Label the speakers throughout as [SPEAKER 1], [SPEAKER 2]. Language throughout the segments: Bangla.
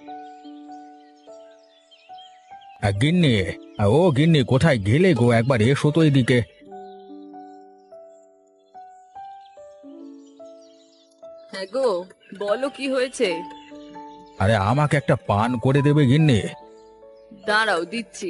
[SPEAKER 1] গিন্নি, ও গিন্নি, কোথায় গেলে গো? একবার এসো তো এদিকে।
[SPEAKER 2] হ্যাঁ গো, বলো কি হয়েছে।
[SPEAKER 1] আরে আমাকে একটা পান করে দেবে গিন্নি?
[SPEAKER 2] দাঁড়াও, দিচ্ছি।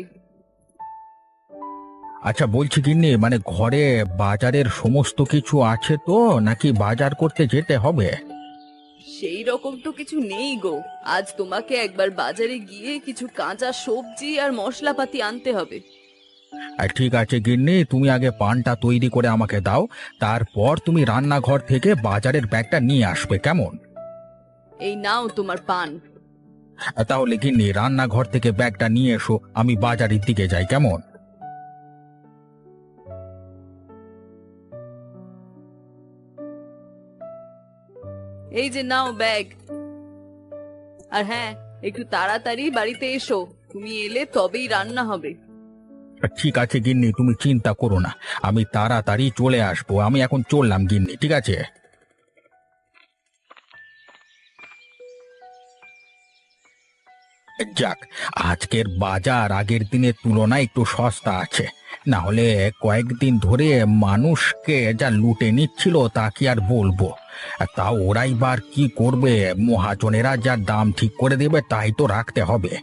[SPEAKER 1] আচ্ছা বলছি গিন্নি, মানে ঘরে বাজারের সমস্ত কিছু আছে তো, নাকি বাজার করতে যেতে হবে?
[SPEAKER 2] সেই রকম তো কিছু নেই গো। আজ তোমাকে একবার বাজারে গিয়ে কিছু কাঁচা সবজি আর মশলাপাতি আনতে হবে।
[SPEAKER 1] ঠিক আছে গিন্নি, তুমি আগে পানটা তৈরি করে আমাকে দাও, তারপর তুমি রান্নাঘর থেকে বাজারের ব্যাগটা নিয়ে আসবে, কেমন?
[SPEAKER 2] এই নাও তোমার পান।
[SPEAKER 1] তাহলে গিন্নি রান্নাঘর থেকে ব্যাগটা নিয়ে এসো, আমি বাজারের দিকে যাই, কেমন?
[SPEAKER 2] এই যে নাও ব্যাগ। আর হ্যাঁ, একটু তাড়াতাড়ি বাড়িতে এসো, তুমি এলে তবেই রান্না হবে।
[SPEAKER 1] ঠিক আছে গিন্নি, তুমি চিন্তা করো না, আমি তাড়াতাড়ি চলে আসবো। আমি এখন চললাম গিন্নি, ঠিক আছে? যাক, আজকের বাজার আগের দিনের তুলনায় একটু সস্তা আছে। না হলে কয়েকদিন ধরে মানুষকে যা লুটে নিচ্ছিল তা কি আর বলবো। তা ওরাই বার কি করবে? মহাজনেরা যা দাম ঠিক করে দেবে তাই তো রাখতে হবে।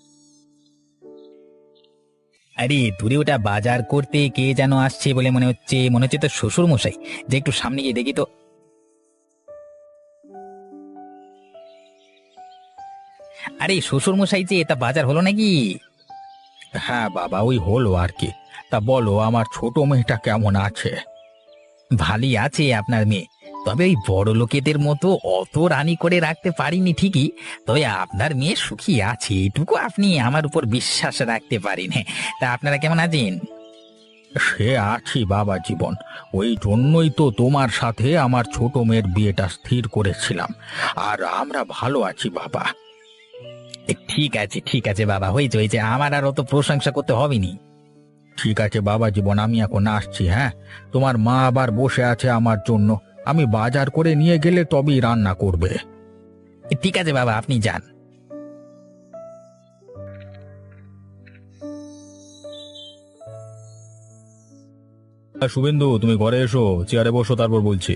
[SPEAKER 3] আরে দূরে ওটা বাজার করতে কে যেন আসছে বলে মনে হচ্ছে তো শ্বশুর মশাই। যে একটু সামনে গিয়ে দেখি তো। আরে শ্বশুর মশাই, যে এটা বাজার হলো নাকি?
[SPEAKER 1] হ্যাঁ বাবা, ওই হলো আর কি। তা বলো, আমার ছোট মেয়েটা কেমন আছে?
[SPEAKER 3] ভালোই আছে আপনার মেয়ে, তবে ওই বড় লোকেদের মতো অত রানী করে রাখতে পারিনি ঠিকই। তবে আপনার মেয়ে সুখী আছে, এটুকু আপনি আমার উপর বিশ্বাস রাখতে পারেন। তা আপনারা কেমন আছেন?
[SPEAKER 1] সে আছি বাবা জীবন, ওই জন্যই তো তোমার সাথে আমার ছোট মেয়ের বিয়েটা স্থির করেছিলাম। আর আমরা ভালো আছি বাবা।
[SPEAKER 3] ঠিক আছে ঠিক আছে বাবা, হয়েছে, আমার আর অত প্রশংসা করতে হবে নি।
[SPEAKER 1] ঠিক আছে বাবা জীবন, আমি এখন আসছি। হ্যাঁ, তোমার মা আবার বসে আছে আমার জন্য, আমি বাজার করে নিয়ে গেলে তবেই রান্না করবে।
[SPEAKER 3] ঠিক আছে বাবা, আপনি যান।
[SPEAKER 1] শুভেন্দু, তুমি ঘরে এসো, চেয়ারে বসো, তারপর বলছি।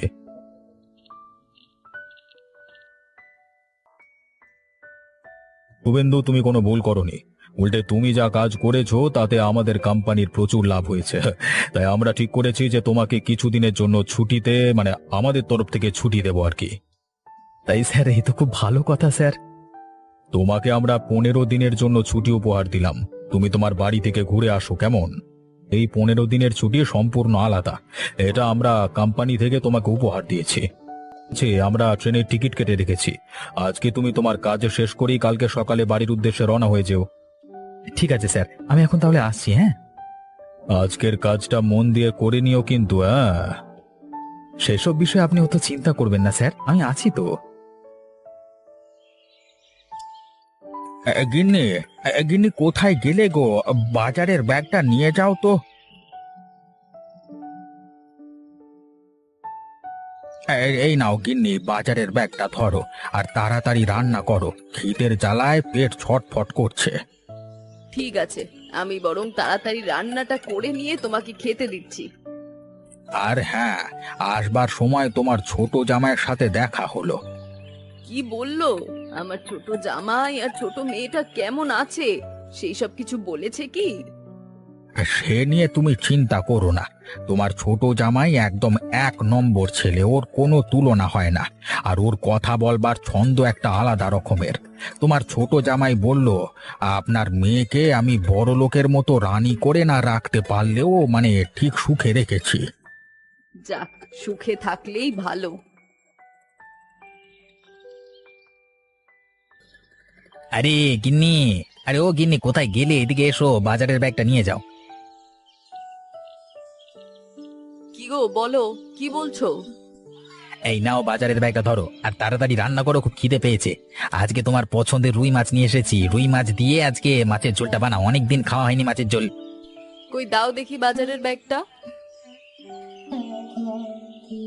[SPEAKER 1] শুভেন্দু, তুমি কোনো ভুল করনি। উল্টে তুমি যা কাজ করেছো তাতে আমাদের কোম্পানির প্রচুর লাভ হয়েছে। তাই আমরা ঠিক করেছি যে তোমাকে কিছুদিনের জন্য ছুটিতে, মানে আমাদের তরফ থেকে ছুটি দেবো আর কি।
[SPEAKER 3] তাই স্যার, এই তো খুব ভালো কথা স্যার।
[SPEAKER 1] তোমাকে আমরা 15 দিনের জন্য ছুটি উপহার দিলাম। তুমি তোমার বাড়ি থেকে ঘুরে আসো, কেমন? এই 15 দিনের ছুটি সম্পূর্ণ আলাদা। এটা আমরা কোম্পানি থেকে তোমাকে উপহার দিয়েছি। আমরা ট্রেনের টিকিট কেটে রেখেছি। আজকে তুমি তোমার কাজ শেষ করেই কালকে সকালে বাড়ির উদ্দেশ্যে রওনা হয়ে যেও।
[SPEAKER 3] ঠিক আছে স্যার, আমি এখন তাহলে আসছি। হ্যাঁ,
[SPEAKER 1] আজকের কাজটা মন দিয়ে করে নিও কিন্তু, হ্যাঁ?
[SPEAKER 3] সেসব বিষয়ে আপনি অত চিন্তা করবেন না স্যার, আমি আছি তো।
[SPEAKER 1] গিন্নি, গিন্নি কোথায় গেলে গো? বাজারের ব্যাগটা নিয়ে যাও তো। এই নাও গিন্নি, বাজারের ব্যাগটা ধরো, আর তাড়াতাড়ি রান্না করো, খিদের জ্বালায় পেট ছটফট করছে।
[SPEAKER 2] ঠিক আছে, আমি বরং তাড়াতাড়ি রান্নাটা করে নিয়ে তোমাকে খেতে দিচ্ছি।
[SPEAKER 1] আর হ্যাঁ, আসবার সময় তোমার ছোট জামাইয়ের সাথে দেখা হলো।
[SPEAKER 2] কি বললো? আমার ছোট জামাই আর ছোট মেয়েটা কেমন আছে সেই সব কিছু বলেছে কি?
[SPEAKER 1] সে নিয়ে তুমি চিন্তা করো না, তোমার ছোট জামাই একদম 1 নম্বর ছেলে, ওর কোনো তুলনা হয় না। আর ওর কথা বলবার ছন্দ একটা আলাদা রকমের। তোমার ছোট জামাই বলল, আপনার মেয়েকে আমি বড় লোকের মতো রানী করে না রাখতে পারলেও মানে ঠিক সুখে রেখেছি।
[SPEAKER 2] যাক, সুখে থাকলেই ভালো।
[SPEAKER 3] আরে গিন্নি, আরে ও গিন্নি, কোথায় গেলে? এদিকে এসো, বাজারের ব্যাগটা নিয়ে যাও।
[SPEAKER 2] কি গো, বলো, কি বলছো?
[SPEAKER 3] এই নাও বাজারের ব্যাগটা ধরো, আর তাড়াতাড়ি রান্না করো, খুব খিদে পেয়েছে। আজকে তোমার পছন্দের রুই মাছ নিয়ে এসেছি, রুই মাছ দিয়ে আজকে মাছের ঝোলটা বানাও, অনেকদিন খাওয়া হয়নি মাছের ঝোল।
[SPEAKER 2] কই দাও দেখি বাজারের ব্যাগটা।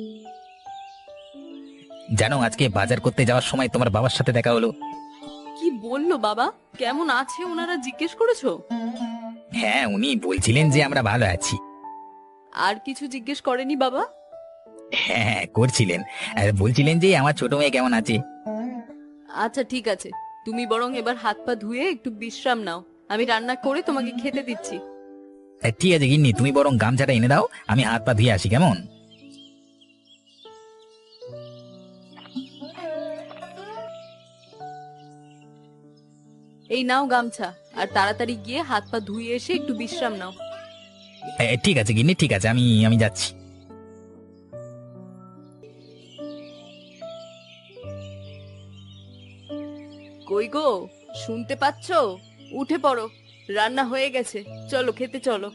[SPEAKER 3] জানো, আজকে বাজার করতে যাওয়ার সময় তোমার বাবার সাথে দেখা হলো।
[SPEAKER 2] কি বললো বাবা? কেমন আছে ওনারা জিজ্ঞেস করেছো?
[SPEAKER 3] হ্যাঁ, উনি বলছিলেন যে আমরা ভালো আছি।
[SPEAKER 2] আর কিছু জিজ্ঞেস করেনি বাবা?
[SPEAKER 3] হ্যাঁ হ্যাঁ, করছিলেন। আর বলছিলেন যে আমার ছোট মেয়ে কেমন আছে।
[SPEAKER 2] আচ্ছা ঠিক আছে, তুমি বরং এবার হাত পা ধুয়ে একটু বিশ্রাম নাও, আমি রান্না করে তোমাকে খেতে দিচ্ছি।
[SPEAKER 3] ঠিক আছে গিন্নি, তুমি বরং গামছাটা এনে দাও, আমি হাত পা ধুয়ে আসি, কেমন?
[SPEAKER 2] এই নাও গামছা, আর তাড়াতাড়ি গিয়ে হাত পা ধুয়ে এসে একটু বিশ্রাম নাও।
[SPEAKER 3] ঠিক আছে গিন্নি, ঠিক আছে, আমি আমি যাচ্ছি।
[SPEAKER 2] কই গো, শুনতে পাচ্ছো? উঠে পড়ো, রান্না হয়ে গেছে, চলো খেতে চলো।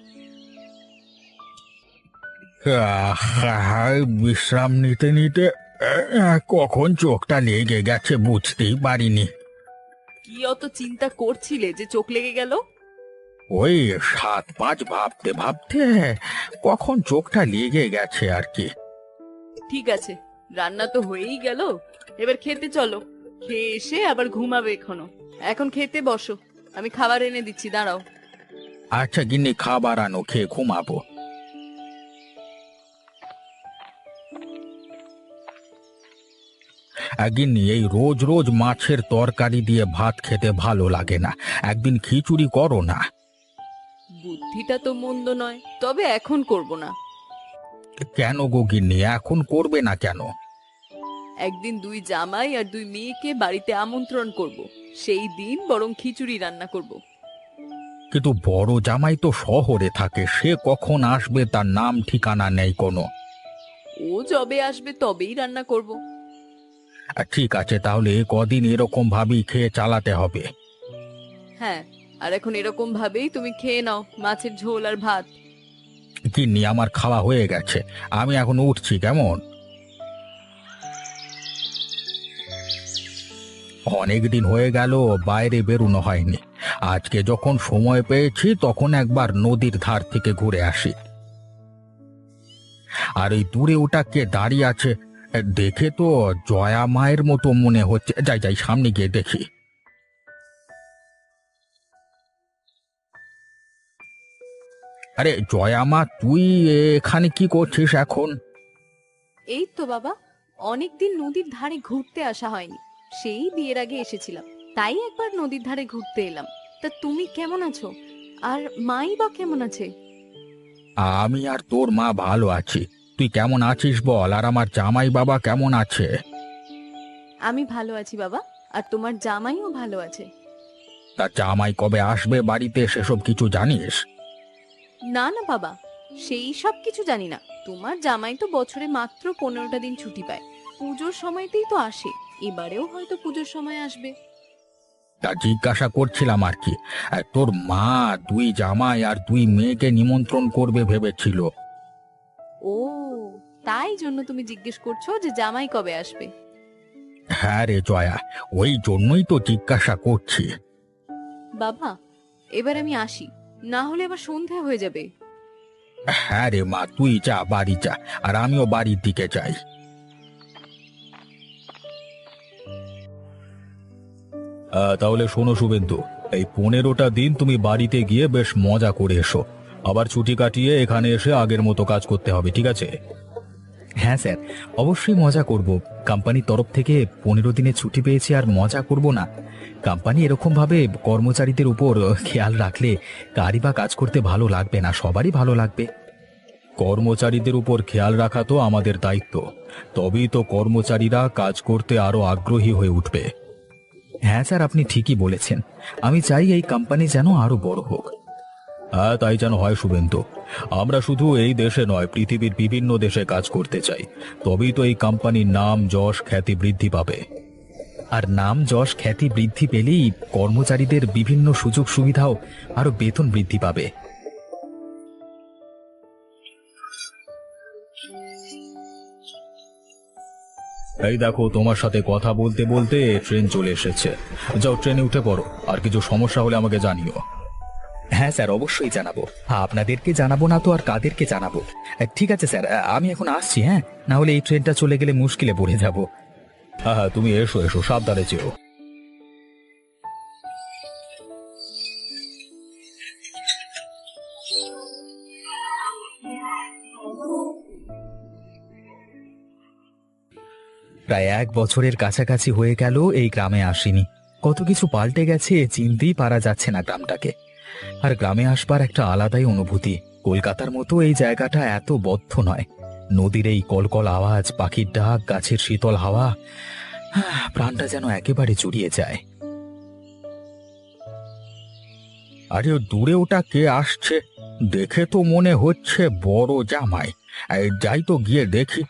[SPEAKER 1] বিশ্রাম নিতে নিতে কখন চোখটা লেগে গেছে বুঝতেই পারিনি।
[SPEAKER 2] কি অত চিন্তা করছিলে যে চোখ লেগে গেল?
[SPEAKER 1] ওই 7-5 ভাবতে ভাবতে কখন চোখটা লেগে গেছে আর কি।
[SPEAKER 2] ঠিক আছে, রান্না তো হয়েই গেল, এবার খেতে চলো। খেয়ে এসে আবার ঘুমাবে এখনো। এখন খেতে বসো, আমি খাবার এনে দিচ্ছি, দাঁড়াও।
[SPEAKER 1] আচ্ছা গিন্নি, খাবার আনো, খেয়ে ঘুমাবো। গিন্নি, এই রোজ রোজ মাছের তরকারি দিয়ে ভাত খেতে ভালো লাগে না, একদিন খিচুড়ি করো না।
[SPEAKER 2] বুদ্ধিটা তো মন্দ নয়, তবে এখন করব না।
[SPEAKER 1] কেন গো গিন্নি, এখন করবে না কেন?
[SPEAKER 2] একদিন 2 জামাই আর 2 মেয়েকে বাড়িতে আমন্ত্রণ করব, সেই দিন বরং খিচুড়ি রান্না করব।
[SPEAKER 1] কিন্তু বড় জামাই তো শহরে থাকে, সে কখন আসবে তার নাম ঠিকানা নেই কোনো।
[SPEAKER 2] ও যবে আসবে তবেই রান্না করব।
[SPEAKER 1] ঠিক আছে, তাহলে কদিন এরকম ভাবেই খেয়ে চালাতে হবে।
[SPEAKER 2] হ্যাঁ, আর এখন এরকম ভাবেই তুমি খেয়ে নাও মাছের ঝোল আর ভাত।
[SPEAKER 1] গিন্নি, আমার খাওয়া হয়ে গেছে, আমি এখন উঠছি, কেমন? অনেক দিন হয়ে গেল বাইরে বেরোনো হয়নি, আজকে যখন সময় পেয়েছি তখন একবার নদীর ধার থেকে ঘুরে আসি। আর এই দূরে ওটা কে দাঁড়িয়ে আছে, দেখে তো জয়া মায়ের মতো মনে হচ্ছে। যাই যাই, সামনে গিয়ে দেখি। আরে জয়া মা, তুই এখানে কি করছিস এখন?
[SPEAKER 2] এই তো বাবা, অনেকদিন নদীর ধারে ঘুরতে আসা হয়নি, সেই বিয়ের আগে এসেছিলাম, তাই একবার নদীর ধারে ঘুরতে এলাম। তা তুমি কেমন আছো? আর মাই বা কেমন আছে?
[SPEAKER 1] আমি আর তোর মা ভালো আছি, তুই কেমন আছিস বল? আর আমার জামাই বাবা কেমন আছে?
[SPEAKER 2] আমি ভালো আছি বাবা, আর তোমার জামাইও ভালো আছে।
[SPEAKER 1] তা জামাই কবে আসবে বাড়িতে সেসব কিছু জানিস?
[SPEAKER 2] না না বাবা, সেই সব কিছু জানি না। তোমার জামাই তো বছরে মাত্র 15টা দিন ছুটি পায়, পুজোর সময়তেই তো আসে, এবারেও হয়তো পুজোর সময় আসবে।
[SPEAKER 1] তা জিজ্ঞাসা করছিলাম আর কি, তোর মা 2 জামাই আর 2 মেয়েকে নিমন্ত্রণ করবে ভেবেছিল।
[SPEAKER 2] ও, তাই জন্য তুমি জিজ্ঞেস করছো যে জামাই কবে আসবে?
[SPEAKER 1] হ্যাঁ রে জয়া, ওই জন্যই তো জিজ্ঞাসা করছি।
[SPEAKER 2] বাবা, এবার আমি আসি, না হলে আবার সন্ধে হয়ে যাবে।
[SPEAKER 1] হ্যাঁ রে মা, তুই যা, বাড়ি যা, আর আমিও বাড়ির দিকে যাই। তাহলে শোনো শুভেন্দু, এই 15টা দিন তুমি বাড়িতে গিয়ে বেশ মজা করে এসো, আবার ছুটি কাটিয়ে এখানে এসে আগের মতো কাজ করতে হবে, ঠিক আছে? হ্যাঁ স্যার, অবশ্যই মজা করব। কোম্পানির তরফ থেকে 15 দিনের ছুটি পেয়েছি, আর মজা করব না? কোম্পানি এরকম ভাবে কর্মচারীদের উপর খেয়াল রাখলে কারই বা কাজ করতে ভালো লাগবে না, সবারই ভালো লাগবে। কর্মচারীদের উপর খেয়াল রাখা তো আমাদের দায়িত্ব, তবেই তো কর্মচারীরা কাজ করতে আরো আগ্রহী হয়ে উঠবে। হ্যাঁ স্যার, আপনি ঠিকই বলেছেন, আমি চাই এই কোম্পানি যেন আরো বড় হোক। হ্যাঁ, তাই যেন হয় শুভেন্দু। আমরা শুধু এই দেশে নয়, পৃথিবীর বিভিন্ন দেশে কাজ করতে চাই, তবেই তো এই কোম্পানির নাম যশ খ্যাতি বৃদ্ধি পাবে। আর নাম যশ খ্যাতি বৃদ্ধি পেলেই কর্মচারীদের বিভিন্ন সুযোগ সুবিধাও আরো বেতন বৃদ্ধি পাবে। এই দেখো, তোমার সাথে কথা বলতে বলতে ট্রেন চলে এসেছে, যাও ট্রেনে উঠে পড়ো, আর কিছু সমস্যা হলে আমাকে জানিও। হ্যাঁ স্যার, অবশ্যই জানাবো, আপনাদেরকে জানাবো না তো আর কাদেরকে জানাবো। ঠিক আছে স্যার, আমি এখন আসছি। হ্যাঁ, না হলে এই ট্রেনটা চলে গেলে মুশকিলে পড়ে যাব। হ্যাঁ হ্যাঁ, তুমি এসো এসো, সাবধানে যেও। প্রায় 1 বছরের কাছাকাছি হয়ে গেল এই গ্রামে আসিনি। কত কিছু পাল্টে গেছে, চিনতেই পারা যাচ্ছে না গ্রামটাকে। আর গ্রামে আসবার একটা আলাদাই অনুভূতি। কলকাতার মতো এই জায়গাটা এত বদ্ধ নয়। নদীর এই কলকল আওয়াজ, পাখির ডাক, গাছের শীতল হাওয়া, প্রাণটা যেন একেবারে জুড়িয়ে যায়। আরে দূরে ওটা কে আসছে? দেখে তো মনে হচ্ছে বড় জামাই। যাই তো গিয়ে দেখি।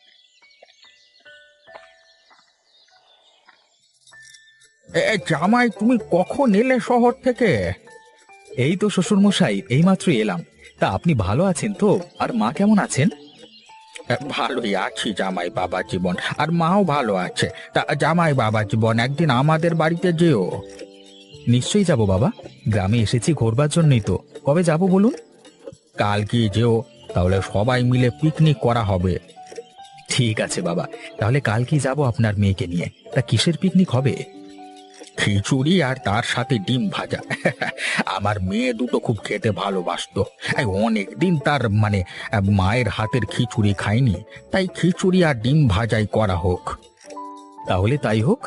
[SPEAKER 1] জামাই, তুমি কখন এলে শহর থেকে? এই তো শ্বশুর মশাই, এইমাত্র এলাম। তা আপনি ভালো আছেন তো? আর মা কেমন আছেন? ভালোই আছি জামাই বাবা জীবন, আর মাও ভালো আছে। তা জামাই বাবা জীবন, একদিন আমাদের বাড়িতে যেও। নিশ্চয়ই যাব বাবা, গ্রামে এসেছি ঘোরবার জন্যই তো। কবে যাব বলুন? কাল কি যেও, তাহলে সবাই মিলে পিকনিক করা হবে। ঠিক আছে বাবা, তাহলে কালকেই যাব আপনার মেয়েকে নিয়ে। তা কিসের পিকনিক হবে? খিচুড়ি আর তার সাথে ডিম ভাজা। আমার মেয়ে দুটো খুব খেতে ভালোবাসতো। অনেক দিন তার মায়ের হাতের খিচুড়ি খায়নি, তাই খিচুড়ি আর ডিম ভাজাই করা হোক। তাহলে তাই হোক।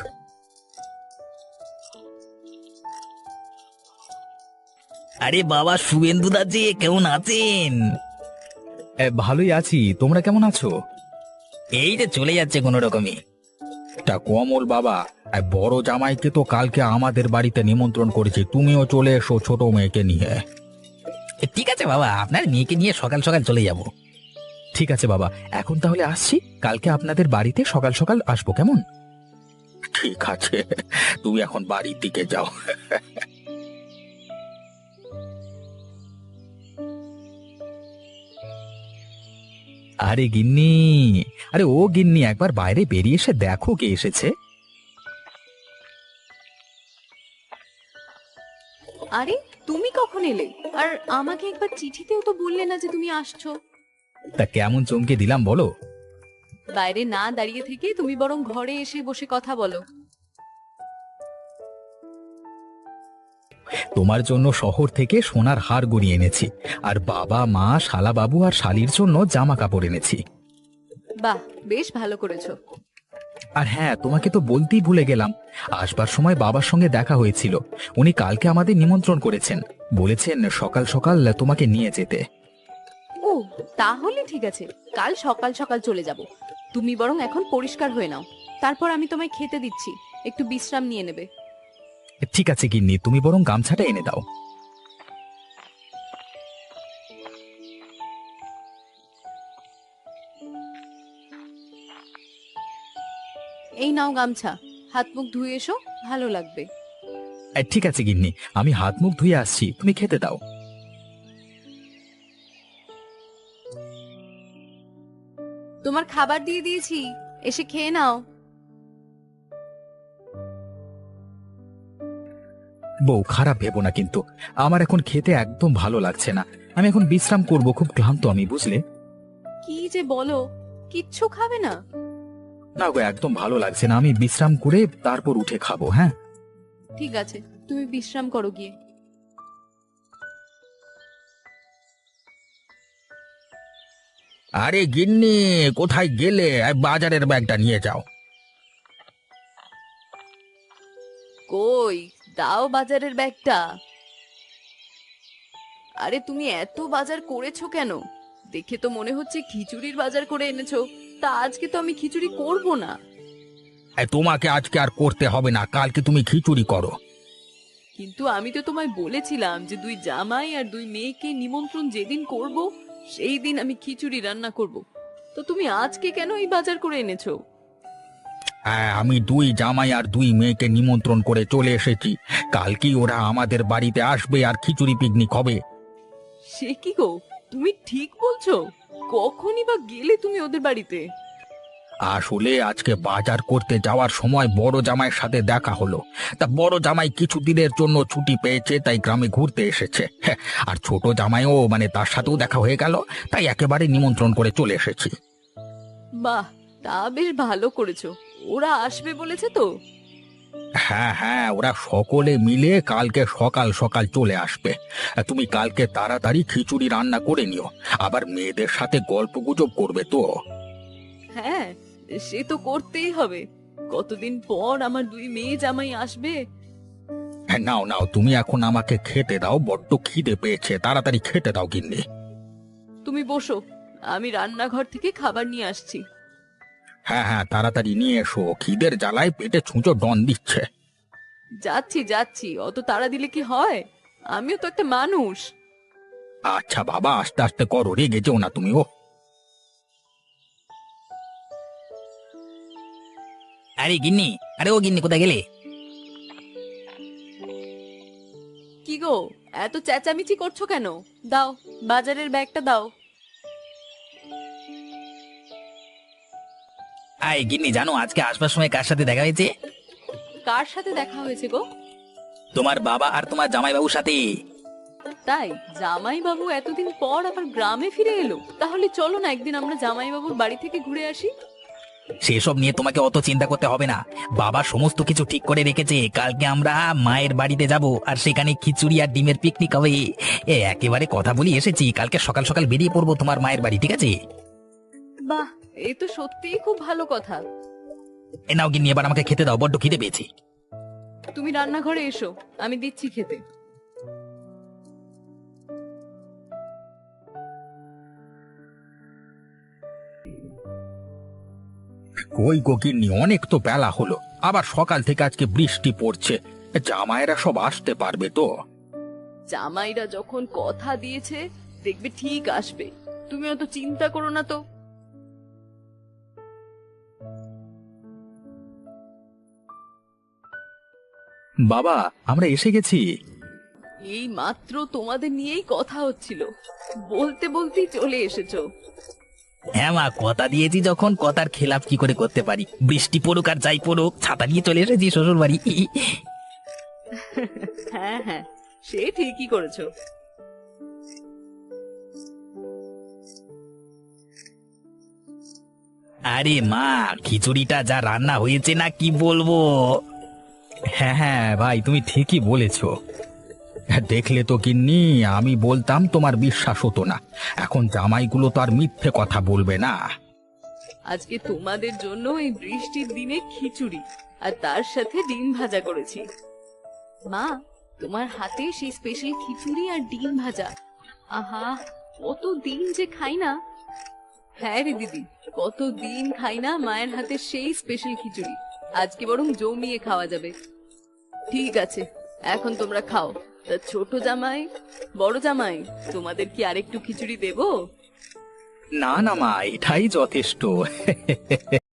[SPEAKER 3] আরে বাবা, শুভেন্দুদা যে কেমন আছেন?
[SPEAKER 1] ভালোই আছি, তোমরা কেমন আছো?
[SPEAKER 3] এই যে চলে যাচ্ছে কোনো রকমই।
[SPEAKER 1] তা কমল বাবা, বড় জামাইকে তো কালকে আমাদের বাড়িতে নিমন্ত্রণ করেছি, তুমিও চলে এসো ছোট মেয়েকে নিয়ে।
[SPEAKER 3] ঠিক আছে বাবা, আপনার মেয়েকে নিয়ে সকাল সকাল চলে যাব।
[SPEAKER 1] ঠিক আছে বাবা, এখন তাহলে আসছি। কালকে আপনাদের বাড়িতে সকাল সকাল আসবো, কেমন? ঠিক আছে, তুমি এখন বাড়ির দিকে যাও। আরে গিন্নি, আরে ও গিন্নি, একবার বাইরে বেরিয়ে এসে দেখো কে এসেছে।
[SPEAKER 2] আরে তুমি কখন এলে? আর আমাকে একবার চিঠিতেও তো বললে না যে তুমি আসছো।
[SPEAKER 1] তা কেমন চমকে দিলাম বলো?
[SPEAKER 2] বাইরে না দাঁড়িয়ে থেকে তুমি বরং ঘরে এসে বসে কথা বলো।
[SPEAKER 1] তোমার জন্য শহর থেকে সোনার হার গড়িয়ে এনেছি, আর বাবা মা শালা বাবু আর শালির জন্য জামা কাপড় এনেছি।
[SPEAKER 2] বাহ, বেশ ভালো করেছো।
[SPEAKER 1] আর হ্যাঁ, তোমাকে তো বলতেই ভুলে গেলাম, আসবার সময় বাবার সঙ্গে দেখা হয়েছিল। উনি কালকে আমাদের নিমন্ত্রণ করেছেন, বলেছেন সকাল সকাল তোমাকে নিয়ে যেতে।
[SPEAKER 2] ও, তাহলে ঠিক আছে, কাল সকাল সকাল চলে যাব। তুমি বরং এখন পরিষ্কার হয়ে নাও, তারপর আমি তোমায় খেতে দিচ্ছি, একটু বিশ্রাম নিয়ে নেবে।
[SPEAKER 1] ঠিক আছে গিন্নি, তুমি বরং গামছাটা এনে দাও।
[SPEAKER 2] এই নাও গামছা, হাত মুখ ধুয়ে এসো, ভালো লাগবে।
[SPEAKER 1] ঠিক আছে গিন্নি, আমি হাত মুখ ধুয়ে আসছি, তুমি খেতে দাও।
[SPEAKER 2] তোমার খাবার দিয়ে দিয়েছি, এসে খেয়ে নাও।
[SPEAKER 1] বউ, খারাপ ভেবো না কিন্তু, আমার এখন খেতে একদম ভালো লাগছে না। আমি এখন বিশ্রাম করব, খুব ক্লান্ত আমি, বুঝলে?
[SPEAKER 2] কি যে বলো, কিচ্ছু খাবে না?
[SPEAKER 1] না গো, একদম ভালো লাগছে না, আমি বিশ্রাম করে তারপর উঠে খাবো। হ্যাঁ
[SPEAKER 2] ঠিক আছে, তুমি বিশ্রাম করো গিয়ে।
[SPEAKER 1] আরে গিন্নি, কোথায় গেলে? বাজারের ব্যাগটা নিয়ে যাও।
[SPEAKER 2] কই, দাও বাজারের ব্যাগটা। আরে তুমি এত বাজার করেছো কেন? দেখে তো মনে হচ্ছে খিচুড়ির বাজার করে এনেছো। তা আজকে তো আমি খিচুড়ি করব না।
[SPEAKER 1] তোমাকে আজকে আর করতে হবে না, কালকে তুমি খিচুড়ি করো।
[SPEAKER 2] কিন্তু আমি তো তোমায় বলেছিলাম যে দুই জামাই আর দুই মেয়েকে নিমন্ত্রণ যেদিন করব সেই দিন আমি খিচুড়ি রান্না করব। তো তুমি আজকে কেন এই বাজার করে এনেছো?
[SPEAKER 1] হ্যাঁ, আমি দুই জামাই আর দুই মেয়েকে নিমন্ত্রণ করে চলে এসেছি। কালকেই ওরা আমাদের বাড়িতে আসবে আর খিচুড়ি পিকনিক হবে।
[SPEAKER 2] সে কি গো, তুমি ঠিক বলছো? কখনই বা গেলে তুমি ওদের বাড়িতে?
[SPEAKER 1] আসলে আজকে বাজার করতে যাওয়ার সময় বড় জামাইয়ের সাথে দেখা হলো। তা বড় জামাই কিছুদিনের জন্য ছুটি পেয়েছে, তাই গ্রামে ঘুরতে এসেছে। হ্যাঁ, আর ছোট জামাইও তার সাথেও দেখা হয়ে গেল, তাই একেবারে নিমন্ত্রণ করে চলে এসেছি।
[SPEAKER 2] বাহ, তা বেশ ভালো করেছো। ওরা আসবে বলেছে তো?
[SPEAKER 1] হ্যাঁ হ্যাঁ, ওরা সকলে মিলে কালকে সকাল সকাল চলে আসবে। তুমি কালকে তাড়াতাড়ি খিচুড়ি রান্না করে নিও, আবার মেয়েদের সাথে গল্প গুজব করবে তো।
[SPEAKER 2] হ্যাঁ, সে তো করতেই হবে। কতদিন পর আমার দুই মেয়ে জামাই আসবে।
[SPEAKER 1] হ্যাঁ, নাও নাও, তুমি এখন আমাকে খেতে দাও, বড্ড খিদে পেয়েছে, তাড়াতাড়ি খেতে দাও গিন্নি।
[SPEAKER 2] তুমি বসো, আমি রান্নাঘর থেকে খাবার নিয়ে আসছি।
[SPEAKER 1] হ্যাঁ হ্যাঁ, তাড়াতাড়ি নিয়ে এসো, খিদের জ্বালায় পেটে ছুঁচো ডন দিচ্ছে।
[SPEAKER 2] যাচ্ছি যাচ্ছি, অত তাড়া দিলে কি হয়? আমিও তো একটা মানুষ।
[SPEAKER 1] আচ্ছা বাবা, আস্তে আস্তে করো, রেগে যেও না তুমি। ও
[SPEAKER 3] আরে গিন্নি, আরে ও গিন্নি, কোথায় গেলে?
[SPEAKER 2] কি গো, এত চেঁচামেচি করছো কেন? দাও, বাজারের ব্যাগটা দাও।
[SPEAKER 3] আয় গিন্নি, জানো আজকে আসবার সময় কার সাথে দেখা হয়েছে?
[SPEAKER 2] কার সাথে দেখা হয়েছে গো?
[SPEAKER 3] তোমার বাবা আর তোমার জামাইবাবুর সাথে।
[SPEAKER 2] তাই? জামাই বাবু এতদিন পর আবার গ্রামে ফিরে এলো? তাহলে চলো না একদিন আমরা জামাই বাবুর বাড়ি থেকে ঘুরে আসি।
[SPEAKER 3] সেসব নিয়ে তোমাকে অত চিন্তা করতে হবে না। বাবা সমস্ত কিছু ঠিক করে রেখেছে। কালকে আমরা মায়ের বাড়িতে যাব, আর সেখানে খিচুড়ি আর ডিমের পিকনিক হবে। একেবারে কথা বলি এসেছি, কালকে সকাল সকাল বেরিয়ে পড়বো তোমার মায়ের বাড়ি, ঠিক আছে?
[SPEAKER 2] বাহ, এই তো সত্যিই খুব ভালো কথা।
[SPEAKER 3] এ নাও গিন্নি, এবার আমাকে খেতে দাও, বড্ড খিদে পেয়েছি।
[SPEAKER 2] তুমি রান্নাঘরে এসো, আমি দিচ্ছি খেতে।
[SPEAKER 1] কই গো গিন্নি, অনেক তো বেলা হলো, আবার সকাল থেকে আজকে বৃষ্টি পড়ছে, জামাইরা সব আসতে পারবে তো?
[SPEAKER 2] জামাইরা যখন কথা দিয়েছে দেখবে ঠিক আসবে, তুমি অত চিন্তা করো না তো।
[SPEAKER 1] বাবা, আমরা এসে গেছি।
[SPEAKER 2] এই মাত্র তোমাদের নিয়েই কথা হচ্ছিল, বলতে বলতেই চলে এসেছো।
[SPEAKER 3] হ্যাঁ মা, কথা দিয়েছি যখন, কথার খেলাপ কি করে করতে পারি? বৃষ্টি পড়ুক আর যাই পড়ুক, ছাতা নিয়ে চলে এসেছি শ্বশুর বাড়ি।
[SPEAKER 2] হ্যাঁ হ্যাঁ, সে ঠিকই করেছো।
[SPEAKER 3] আরে মা, খিচুড়িটা যা রান্না হয়েছে না, কি বলবো।
[SPEAKER 1] হ্যাঁ হ্যাঁ ভাই, তুমি ঠিকই বলেছো। দেখলে তো গিন্নি, আমি বলতাম তোমার বিশ্বাস হতো না, এখন জামাইগুলো তো আর মিথ্যে কথা বলবে না।
[SPEAKER 2] আজকে তোমাদের জন্য এই বৃষ্টির দিনে খিচুড়ি আর তার সাথে ডিম ভাজা করেছি। মা, তোমার হাতে সেই স্পেশাল খিচুড়ি আর ডিম ভাজা, আহা, কত দিন যে খাই না। হ্যাঁ রে দিদি, কত দিন খাই না মায়ের হাতে সেই স্পেশাল খিচুড়ি। আজকে বরং জমিয়ে খাওয়া যাবে। ঠিক আছে, এখন তোমরা খাও। তা ছোট জামাই, বড় জামাই, তোমাদের কি আরেকটু খিচুড়ি দেবো?
[SPEAKER 1] না না মা, এটাই যথেষ্ট।